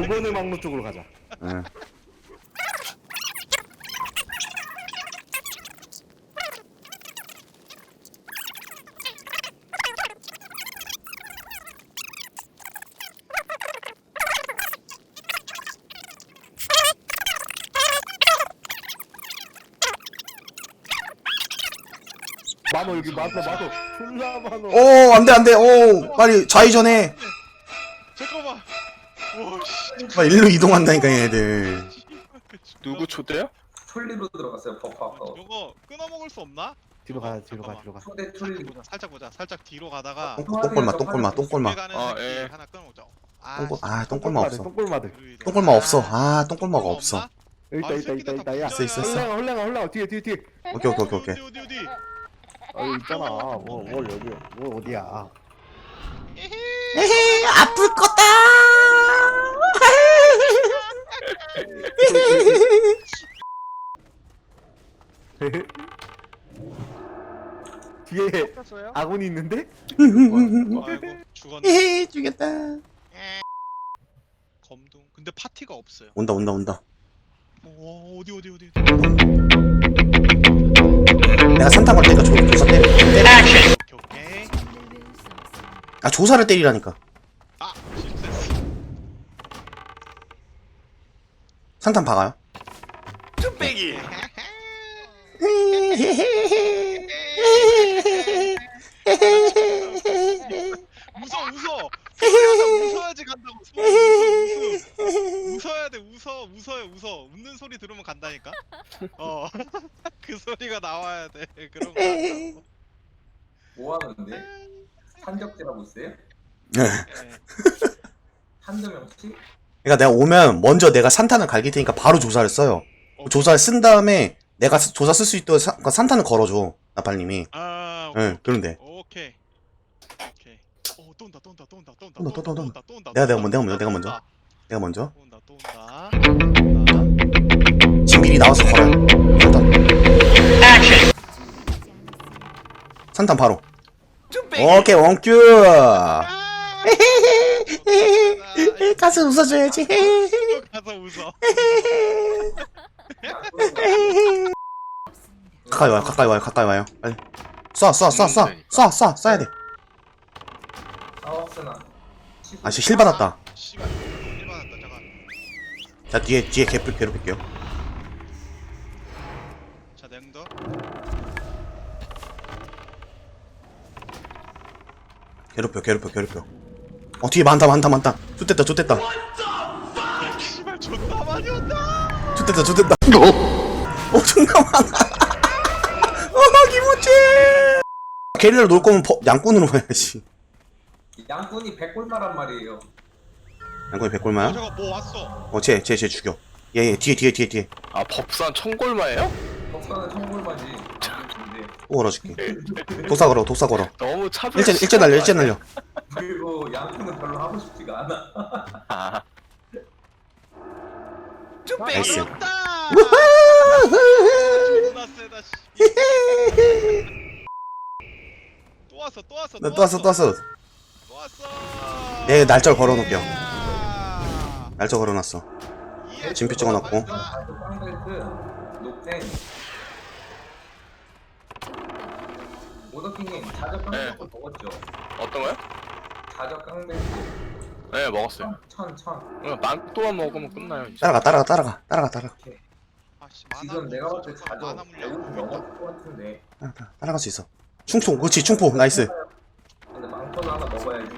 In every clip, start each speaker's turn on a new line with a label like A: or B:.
A: 5번의 막로 쪽으로 가자.
B: 응.
A: 만호 여기 만호 졸라 만호.
B: 오, 안 돼, 안 돼. 오, 빨리 좌회전해.
C: 잠깐만. 오씨.
B: 빨리 일로 이동한다니까, 얘네들.
D: 누구 초대야?
E: 툴리로 들어갔어요. 버프 아까.
C: 이거 끊어 먹을 수 없나?
A: 뒤로 가 뒤로 가 뒤로 가.
E: 초대 툴리.
C: 살짝 보자. 살짝 뒤로 가다가
B: 똥골마, 똥골마, 똥골마.
C: 가는
D: 아,
C: 새끼
D: 예.
C: 하나 끊어 먹자.
B: 똥골마 없어.
A: 똥골마들.
B: 똥골마 없어. 아, 똥골마가 없어.
A: 여기 있다 야.
B: 있어, 있어, 있어.
A: 홀랭아 뒤에.
B: 오케이.
C: 어디.
A: 여기 있잖아. 뭘 여기 뭐 어디야?
B: 에헤, 아플 거다.
A: 뒤에 아군이 있는데?
C: 아이고 죽었네.
B: 에헤, 죽였다.
C: 검둥. 근데 파티가 없어요.
B: 온다.
C: 어디.
B: 내가 산타 걸 때니까 조사 때려.
C: 오케이.
B: 아, 조사를 때리라니까.
C: 아 실패했어.
B: 산탄 박아요.
D: 쭈빼기.
C: 웃어. 웃어야지 간다고. 웃어야 돼. 웃어요. 웃는 소리 들으면 간다니까. 그 소리가 나와야 돼. 그런 거. 한다고.
E: 뭐 하는데? 산적질하고 있어요?
B: 네.
E: 한두 명씩?
B: 그러니까 내가 오면 먼저 내가 산탄을 갈길 테니까 바로 조사를 써요. 조사를 쓴 다음에 내가 조사 쓸 수 있도록 산탄을 걸어줘. 나팔님이.
C: 아,
B: 응, 그런데.
C: 오케이. 또 온다.
B: 또. 내가 먼저.
C: 또 온다.
B: 지금 미리 나와서 걸어요. 산탄 바로. 오케이, 원큐. 가서 웃어줘야지.
C: 가서 웃어.
B: 가까이 와요. 빨리. 쏴야 돼.
E: 사업스나.
B: 아, 씨, 힐 받았다.
C: 씨발. 일 받았다. 잠깐.
B: 자, 뒤에 괴롭힐게요.
C: 자, 냉더.
B: 괴롭혀. 뒤에 많다. 좋댔다.
C: 씨발 존나 많이 온다.
B: 좋댔다. 존나 많아. 기모치. 게릴라로 놀 거면 양꾼으로 가야지.
E: 양꾼이 100골마란 말이에요.
B: 양꾼이 100골마야?
C: 잠깐 뭐 왔어.
B: 쟤 죽여. 얘 뒤에.
D: 아 법산 청골마예요?
E: 법사는 1000골마지. 근데
B: 또 걸어줄게. 독사 걸어.
D: 너무 차별.
B: 일제 날려.
E: 그리고 양꾼은 별로 하고 싶지가 않아.
D: 아,
B: 나이스.
C: 왔다. 존나 세다. 씨. 또 왔어.
B: 또 왔어.
C: 예.
B: 네, 날짜 걸어놓을게요. 날짜 걸어놨어. 진표 찍어놨고.
E: 깡벨트, 녹탱. 오더킹님 자적 깡벨트 먹었죠?
D: 어떤 거요?
E: 자적 깡벨트
D: 네 먹었어요.
E: 천.
D: 그냥 망토만 먹으면 끝나요. 이제.
B: 따라가.
E: 지금 내가 봤을 때 자적 150 넘었을 것 같은데.
B: 따라갈 수 있어. 충포, 그렇지, 충포, 나이스.
E: 근데 망토는 하나 먹어야지.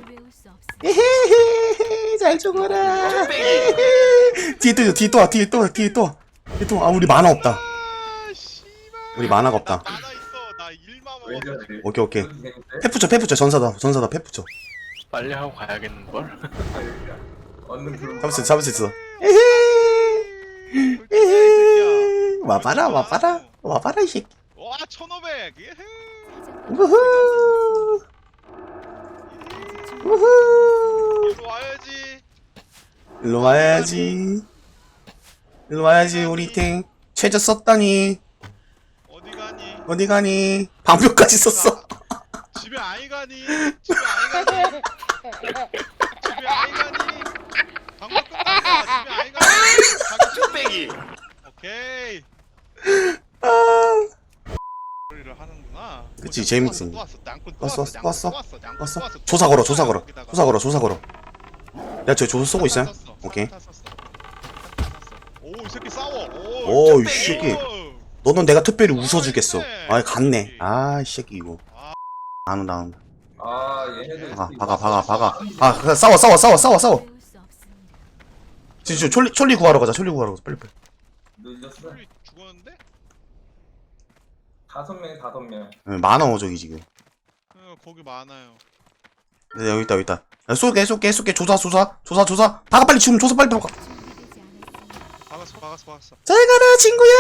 B: 잘 죽어라. 뒤에 또 와. 아, 우리 만화 없다.
C: 아, 씨발.
B: 우리 만화가 없다.
C: 나 있어. 나 1만
E: 왜
C: 먹었어.
E: 저래?
B: 오케이.
E: 재밌대?
B: 패 붙여. 전사다, 패 붙여.
D: 빨리 하고 가야겠는걸?
E: 얻는 그런
B: 잡을 수 있어. 와봐라, 이 새끼.
C: 와 1500. 예헤.
B: 우후.
C: 이리 와야지.
B: 일로 와야지, 우리 탱. 최저 썼다니.
C: 어디 가니?
B: 방벽까지 썼어.
C: 집에 아이 가니? 방금 끝났어. 아이가.
D: 쭈빼기.
C: 오케이. 소리를 하는구나.
B: 그치,
C: 오,
B: 재밌어.
C: 또 왔어. 냥꾼 또
B: 왔어,
C: 왔어.
B: 왔어,
C: 냥꾼 또 냥꾼
B: 왔어.
C: 또 왔어.
B: 조사 걸어, 조사 걸어.
C: 여기다가.
B: 조사 걸어, 조사 걸어. 야, 저 조사 쏘고 있어요?
C: 샀어,
B: 오케이.
C: 샀어. 오, 이 새끼 싸워.
B: 오, 이
C: 쭈빼기.
B: 새끼.
C: 오.
B: 너는 내가 특별히 웃어주겠어.
C: 있네.
B: 아, 갔네. 아, 이 새끼, 이거.
C: 아.
B: 안 온다, 안 온다.
E: 아 얘네들
B: 박아. 아, 그냥 싸워. 지금 촐리 구하러 가자, 촐리 구하러 가자. 빨리.
E: 늦었어.
C: 소리 죽었는데?
E: 5명.
B: 많아, 저기 지금.
C: 거기 많아요.
B: 네, 여기 있다. 야, 쏠게. 조사. 박아, 빨리 지금 조사 빨리 박아.
C: 박았어.
B: 잘 가라, 친구야.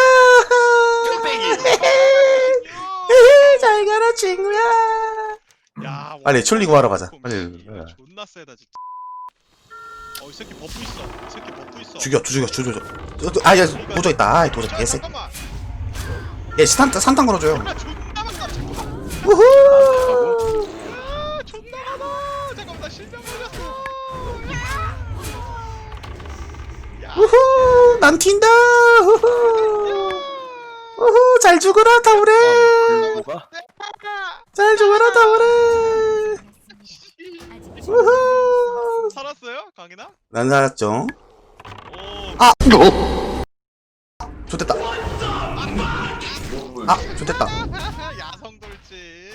B: 잘 가라, 친구야.
C: 야,
B: 빨리 촐리 구하러 가자. 빨리.
C: 존나 세다 진짜. 이 새끼 버프 있어.
B: 죽여. 아, 야, 도저 있다. 아, 도저 개새끼.
C: 잠깐만.
B: 야, 산탄 걸어줘요.
C: 존나 많다.
B: 우후.
C: 존나 많아. 잠깐만 나 실명 걸렸어.
B: 우후. 난 튄다. 우후. 잘 죽어라, 타오레.
D: 누가?
B: 잘 죽어라, 타오레. 우후.
C: 살았어요, 강이나?
B: 난 살았죠.
C: 오.
B: 아! 좋됐다. 좋됐다.
C: 야성 돌진.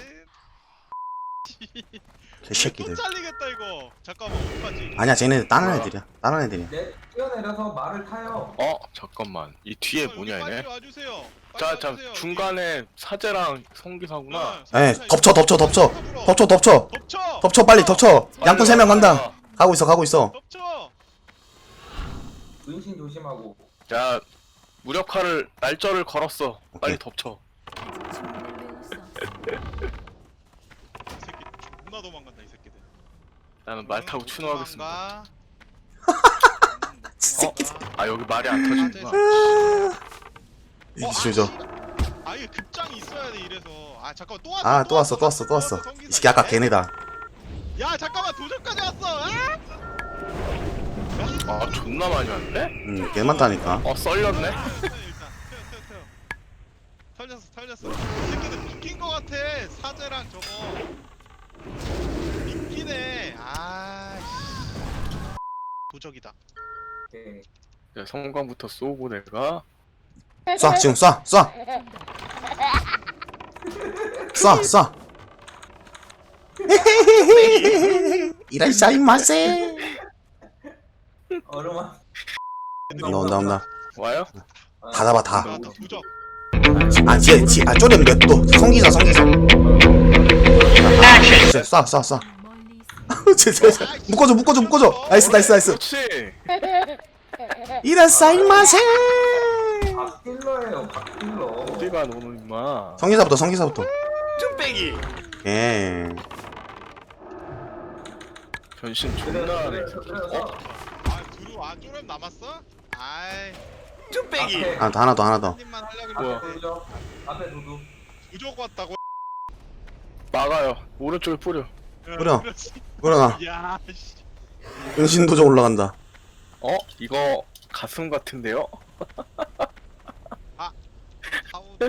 B: 개새끼들.
C: 또 잘리겠다 이거. 잠깐만 어떡하지?
B: 아니야, 쟤네 다른 애들이야.
E: 내 뛰어내려서 말을 타요.
D: 잠깐만. 이 뒤에 뭐냐
C: 빨리
D: 얘네?
C: 와주세요.
D: 자 중간에 사제랑 성기사구나.
B: 에, 덮쳐.
C: 덮쳐.
B: 덮쳐, 빨리 덮쳐. 양꾼 3명 간다. 가고 있어.
C: 덮쳐.
E: 은신 조심하고.
D: 자 무력화를 날짜를 걸었어. 빨리
B: 오케이.
D: 덮쳐.
C: 이 새끼 존나 도망간다 이 새끼들.
D: 나는 말 타고 추노하겠습니다.
C: 새끼.
D: 여기 말이 안 터지는구나.
B: 조져.
C: 이게 급장이 있어야 돼 이래서. 잠깐만 또 왔어.
B: 아, 또 왔어. 이 새끼 아까 걔네다.
C: 야 잠깐만 도전까지 왔어.
D: 존나 많이 왔네?
B: 개 많다니까.
D: 썰렸네?
C: 일단 털렸어. 이 새끼들 묶인 거 같아. 사제랑 저거 묶이네. 도적이다.
E: 오케이.
D: 자, 성광부터 쏘고 내가
B: 쏴, 지금 쏴. 이라이샤이마세.
E: 얼음아.
B: 온다.
D: 와요?
B: 다 잡아, 다.
C: 나 도적.
B: 쪼렴 또. 성기사. 쏴. 묶어줘. 나이스.
D: 그렇지.
B: 이라이샤이마세.
E: 박딜러예요. 박딜러.
D: 어디가 너는 임마.
B: 성기사부터.
D: 쭈빼기.
B: 예.
D: 변신 존나 하네.
E: 그래서
C: 쪼렴 남았어?
D: 쭈빼기.
E: 앞에
B: 하나 더.
C: 한 입만 하려고
D: 뭐야?
C: 그랬는데
E: 도적. 앞에 도둑.
C: 도적 왔다고.
D: 막아요. 오른쪽에 뿌려.
B: 뿌려.
C: 그렇지.
B: 그러나
C: 야, 씨.
B: 은신도적 올라간다.
D: 이거 가슴 같은데요?
C: 하우드.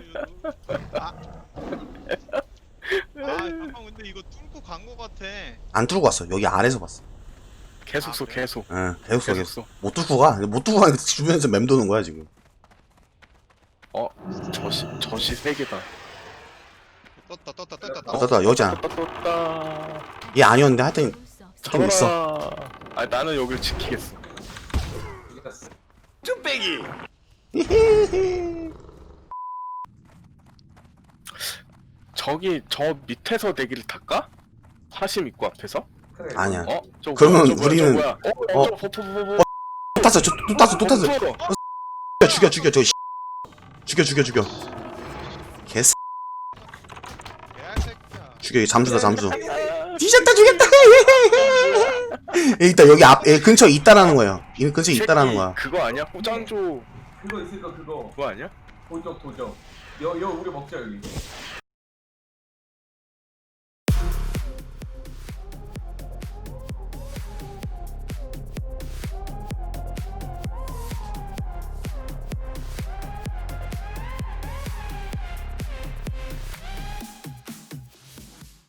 C: 잠깐 근데 이거 뚫고 간 거 같아.
B: 안 뚫고 왔어. 여기 아래서 봤어.
D: 계속 쏘
C: 그래?
D: 계속.
B: 응, 계속
D: 계속
B: 써.
D: 쏘.
B: 못 뚫고 가니까 주변에서 맴도는 거야 지금.
D: 저시 3개다.
C: 떴다.
B: 여기잖아.
D: 떴다.
B: 얘 아니었는데 하여튼 좀 있어.
D: 잡아라. 나는 여길 지키겠어.
E: 이겼어.
D: 쭈빼기. 저 밑에서 내기를 탈까? 화심 입구 앞에서?
E: 그래.
B: 아니야.
D: 저
B: 그러면
D: 뭐야, 저
B: 우리는-
D: 뭐야?
B: 어?
D: 저 버프.
B: 또 탔어. 죽여 죽여. 개새.
C: 개새끼야.
B: 죽여. 잠수. 뒤졌다. 일단 여기 근처에 있다라는 거예요. 이 근처에 있다라는 거야.
D: 그거 아니야? 포장조
E: 그거 있을 거 그거.
D: 그거 아니야?
E: 도적. 여 우리 먹자 여기.